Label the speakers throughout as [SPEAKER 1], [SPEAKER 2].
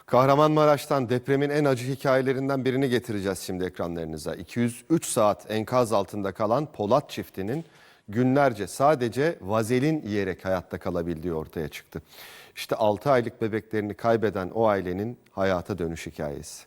[SPEAKER 1] Kahramanmaraş'tan depremin en acı hikayelerinden birini getireceğiz şimdi ekranlarınıza. 203 saat enkaz altında kalan Polat çiftinin günlerce sadece vazelin yiyerek hayatta kalabildiği ortaya çıktı. İşte 6 aylık bebeklerini kaybeden o ailenin hayata dönüş hikayesi.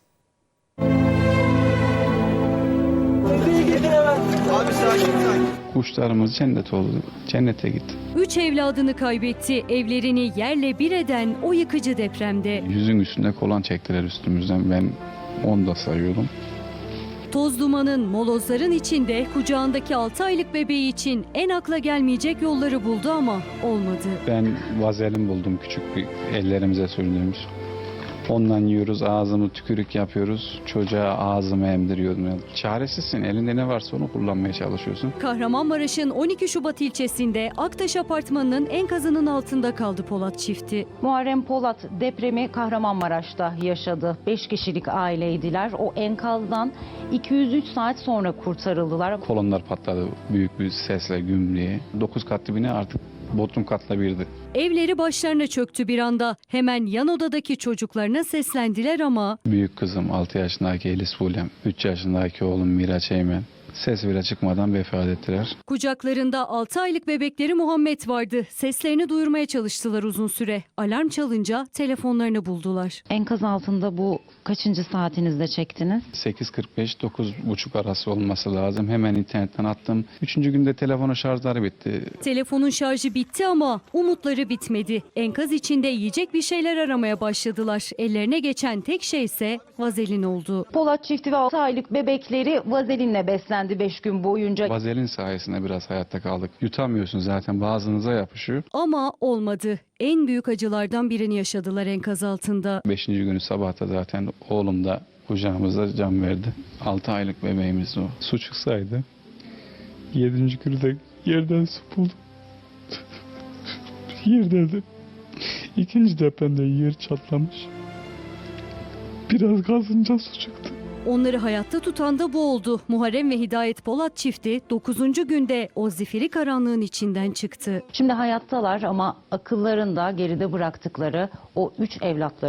[SPEAKER 2] Abi sakin.
[SPEAKER 3] Kuşlarımız cennet oldu. Cennete gitti.
[SPEAKER 4] 3 evladını kaybetti. Evlerini yerle bir eden o yıkıcı depremde.
[SPEAKER 3] Yüzün üstünde kolan çektiler üstümüzden. Ben 10 da sayıyordum.
[SPEAKER 4] Toz dumanın, molozların içinde kucağındaki 6 aylık bebeği için en akla gelmeyecek yolları buldu ama olmadı.
[SPEAKER 3] Ben vazelin buldum, küçük bir ellerimize sürdüğümüz. Ondan yiyoruz, ağzımı tükürük yapıyoruz. Çocuğa ağzımı emdiriyordum. Yani çaresizsin, elinde ne varsa onu kullanmaya çalışıyorsun.
[SPEAKER 4] Kahramanmaraş'ın 12 Şubat ilçesinde Aktaş Apartmanı'nın enkazının altında kaldı Polat çifti.
[SPEAKER 5] Muharrem Polat depremi Kahramanmaraş'ta yaşadı. 5 kişilik aileydiler. O enkazdan 203 saat sonra kurtarıldılar.
[SPEAKER 3] Kolonlar patladı büyük bir sesle, güm diye. 9 katlı bina artık bodrum katla birdi.
[SPEAKER 4] Evleri başlarına çöktü bir anda. Hemen yan odadaki çocuklarına seslendiler ama
[SPEAKER 3] Büyük kızım 6 yaşındaki Elis Fulem, 3 yaşındaki oğlum Miraç Eymen ses bile çıkmadan vefat ettiler.
[SPEAKER 4] kucaklarında 6 aylık bebekleri Muhammed vardı. Seslerini duyurmaya çalıştılar uzun süre. Alarm çalınca telefonlarını buldular.
[SPEAKER 5] Enkaz altında bu kaçıncı saatinizde çektiniz?
[SPEAKER 3] 8.45-9.30 arası olması lazım. Hemen internetten attım. 3. günde telefonun şarjları bitti.
[SPEAKER 4] Telefonun şarjı bitti ama umutları bitmedi. Enkaz içinde yiyecek bir şeyler aramaya başladılar. Ellerine geçen tek şey ise vazelin oldu.
[SPEAKER 5] Polat çifti ve 6 aylık bebekleri vazelinle beslendi 5 gün boyunca.
[SPEAKER 3] Vazelin sayesinde biraz hayatta kaldık. Yutamıyorsun zaten, boğazınıza yapışıyor.
[SPEAKER 4] Ama olmadı. En büyük acılardan birini yaşadılar enkaz altında.
[SPEAKER 3] 5. günü sabahta zaten oğlum da kucağımızda can verdi. 6 aylık bebeğimiz o. Su çıksaydı 7. günü de yerden su buldum. Yerde de 2. depremde yer çatlamış. Biraz kazınca su çıktı.
[SPEAKER 4] Onları hayatta tutan da bu oldu. Muharrem ve Hidayet Polat çifti 9. günde o zifiri karanlığın içinden çıktı.
[SPEAKER 5] Şimdi hayattalar ama akıllarında geride bıraktıkları o 3 evlatları